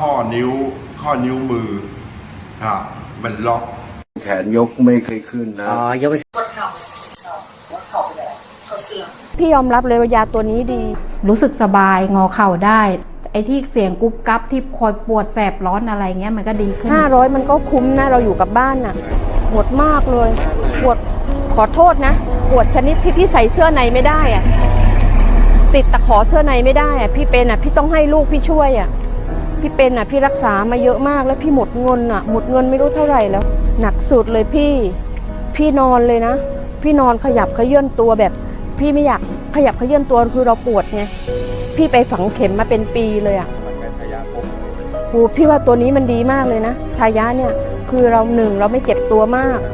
ข้อนิ้วมือมันล็อกแขนยกไม่เคยขึ้นนะยกไม่ปวดเข่าไปแล้วเข่าเสื่อมพี่ยอมรับเลยว่ายาตัวนี้ดีรู้สึกสบายงอเข่าได้ไอ้ที่เสียงกุ๊บกั๊บที่คอยปวดแสบร้อนอะไรเงี้ยมันก็ดีขึ้น500มันก็คุ้มนะเราอยู่กับบ้านน่ะปวดมากเลยปวดขอโทษนะปวดชนิดที่พี่ใส่เสื้อในไม่ได้อะติดตะขอเสื้อในไม่ได้อะพี่เป็นอะพี่ต้องให้ลูกพี่ช่วยอะพี่เป็นอะพี่รักษามาเยอะมากแล้วพี่หมดเงินอะหมดเงินไม่รู้เท่าไหร่แล้วหนักสุดเลยพี่นอนเลยนะพี่นอนขยับเขยื้อนตัวแบบพี่ไม่อยากขยับเขยื้อนตัวคือเราปวดไงพี่ไปฝังเข็มมาเป็นปีเลยอ่ะพี่ว่าตัวนี้มันดีมากเลยนะทายะเนี่ยคือเราเราไม่เจ็บตัวมาก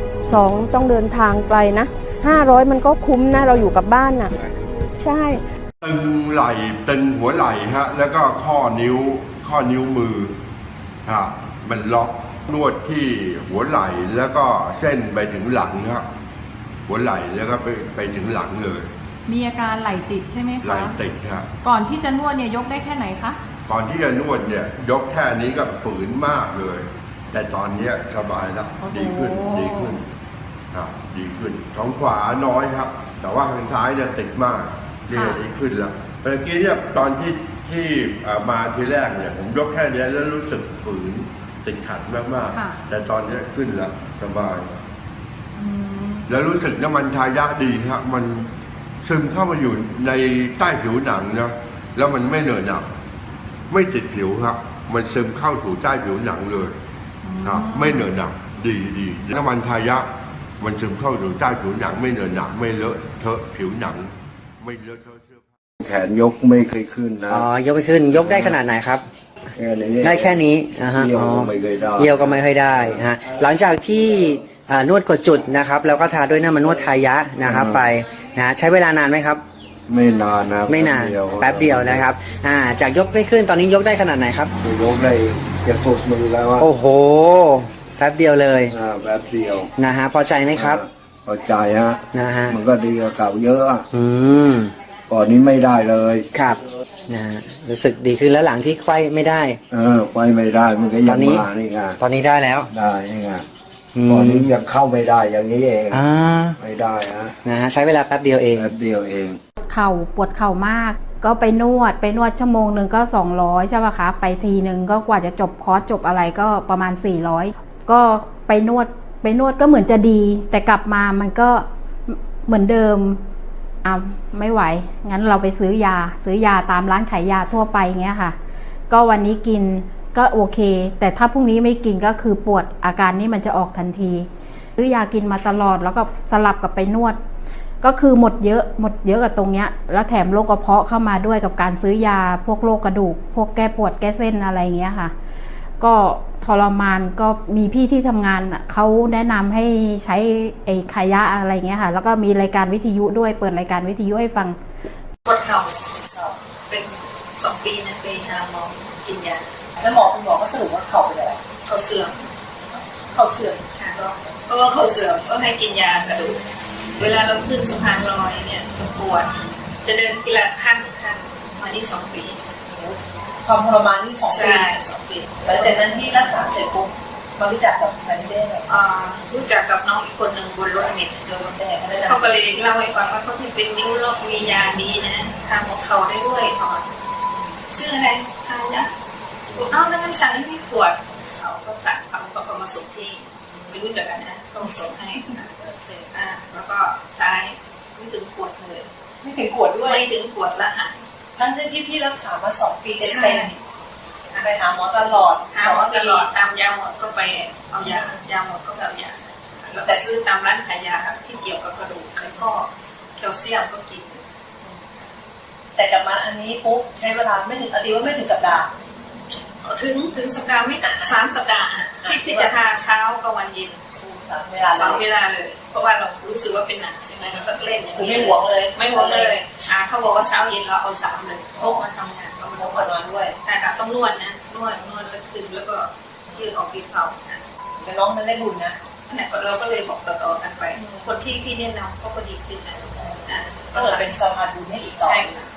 2ต้องเดินทางไกลนะ500มันก็คุ้มนะเราอยู่กับบ้านน่ะใช่ตึงไหล่ตึงหัวไหล่แล้วก็ข้อนิ้วมือมันล็อกนวดที่หัวไหล่แล้วก็เส้นไปถึงหลังหัวไหล่แล้วก็ไปถึงหลังเลยมีอาการไหล่ติดใช่ไหมคะไหล่ติดครับก่อนที่จะนวดเนี่ยยกได้แค่ไหนคะก่อนที่จะนวดเนี่ยยกแค่นี้ก็ฝืนมากเลยแต่ตอนนี้สบายแล้วดีขึ้นดีขึ้นของขวาน้อยครับแต่ว่าทางซ้ายเนี่ยติดมากดีขึ้นแล้วเมื่อกี้เนี่ยตอนที่มาทีแรกเนี่ยผมยกแค่นี้แล้วรู้สึกฝืนติดขัดมากๆแต่ตอนนี้ขึ้นแล้วสบายแล้วรู้สึกน้ำมันทายะดีครับมันซึมเข้ามาอยู่ในใต้ผิวหนังนะแล้วมันไม่เหนอะหนักไม่ติดผิวครับมันซึมเข้าถูใต้ผิวหนังเลยไม่เหนอะหนักดีน้ำมันทายะมันซึมเข้าถูใต้ผิวหนังไม่เหนอะหนักไม่เลอะเทอะผิวหนังไม่เลอะเทอะเสื้อผ้าแขนยกไม่เคยขึ้นนะยกไม่ขึ้นยกได้ขนาดไหนครับได้แค่นี้เยี่ยวก็ไม่เคยได้เยี่ยวก็ไม่ค่อยได้ฮะหลังจากที่นวดกดจุดนะครับแล้วก็ทาด้วยน้ำมันนวดทายะนะครับไปนะใช้เวลานานไหมครับไม่นานนะไม่นานแป๊บเดียวนะครับจากยกไม่ขึ้นตอนนี้ยกได้ขนาดไหนครับยกได้จะสุดมือแล้วโอ้โหแป๊บเดียวเลยแป๊บเดียวนะฮะพอใจไหมครับพอใจนะฮะมันก็ดีกว่าเก่าเยอะก่อนนี้ไม่ได้เลยครับนะรู้สึกดีขึ้นแล้วหลังที่ไขว้ไม่ได้ไขว้ไม่ได้มันก็ยังมานี่ไงตอนนี้ได้แล้วได้นี่ไงก่อนนี้ยังเข้าไม่ได้อย่างนี้เองไม่ได้นะฮะใช้เวลาแป๊บเดียวเองเข่าปวดเข่ามากก็ไปนวดชั่วโมงหนึ่งก็200ใช่ป่ะคะไปทีหนึ่งก็กว่าจะจบคอร์สจบอะไรก็ประมาณ400ก็ไปนวดก็เหมือนจะดีแต่กลับมามันก็เหมือนเดิมไม่ไหวงั้นเราไปซื้อยาตามร้านขายยาทั่วไปเงี้ยค่ะก็วันนี้กินก็โอเคแต่ถ้าพรุ่งนี้ไม่กินก็คือปวดอาการนี้มันจะออกทันทีซื้อยากินมาตลอดแล้วก็สลับกับไปนวดก็คือหมดเยอะกับตรงเนี้ยแล้วแถมโรคกระเพาะเข้ามาด้วยกับการซื้อยาพวกโรคกระดูกพวกแก้ปวดแก้เส้นอะไรเงี้ยค่ะก็ทรมานก็มีพี่ที่ทำงานเขาแนะนำให้ใช้ไอ้ขายะอะไรเงี้ยค่ะแล้วก็มีรายการวิทยุด้วยเปิดรายการวิทยุให้ฟังปวดเข่าเป็น2 ปีนะไปหาหมอกินยาแล้วคุณหมอก็สรุปว่าเข่าเป็นอะไรเข่าเสื่อมค่ะเพราะว่าเข่าเสื่อมก็ให้กินยากระดูกเวลาเราขึ้นสะพานลอยเนี่ยจะปวดจะเดินทีละขั้นมานี่2 ปีความทรมานนี่2 ปีใช่2 ปีแล้วจากนั้นที่รักษาเสร็จปุ๊บมารู้จักกับใครได้ไหมรู้จักกับน้องอีกคนหนึ่งบนรถเมล์เขาก็เลยเล่าให้ฟังว่าเขาที่เป็นนิ้วล็อกมียาดีนะทำหัวเข่าได้ด้วยชื่ออะไรทายะนั่นสั่งให้พี่ขวดเขาก็สั่งเขามาส่งที่ไม่รู้จักกันนะเขาส่งให้แล้วก็ใช้ไม่ถึงขวดเลยไม่ถึงขวดด้วยไม่ถึงขวดละหายทั้งที่พี่รักษามา2 ปีเต็มไปหาหมอตลอดตามยาหมดก็ไปเอายาหมดก็เอายาแล้วแต่ซื้อตามร้านขายยาที่เกี่ยวกับกระดูกแล้วก็แคลเซียมก็กินแต่กลับมาอันนี้ปุ๊บใช้เวลาไม่ถึงว่าไม่ถึงสัปดาห์ถึงสัปดาห์ไม่3 สัปดาห์ที่จะทาเช้ากับวันเย็น 3 เวลาเลยเพราะว่าเรารู้สึกว่าเป็นหนักใช่ไหมแล้วก็เล่นอย่างนี้ไม่หวงเลยเขาบอกว่าเช้าเย็นเราเอา3เลยพกมาทำงานเอามาก่อนนอนด้วยใช่ค่ะต้องนวดนะนวดแล้วขึ้นแล้วก็ยืดออกยืดเข่าแต่น้องมันได้บุญนะนั่นแหละเราก็เลยบอกต่อๆกันไปคนที่แนะนำเขาก็ดีขึ้นนะก็เลยเป็นสะพานบุญให้อีกต่อใช่ค่ะ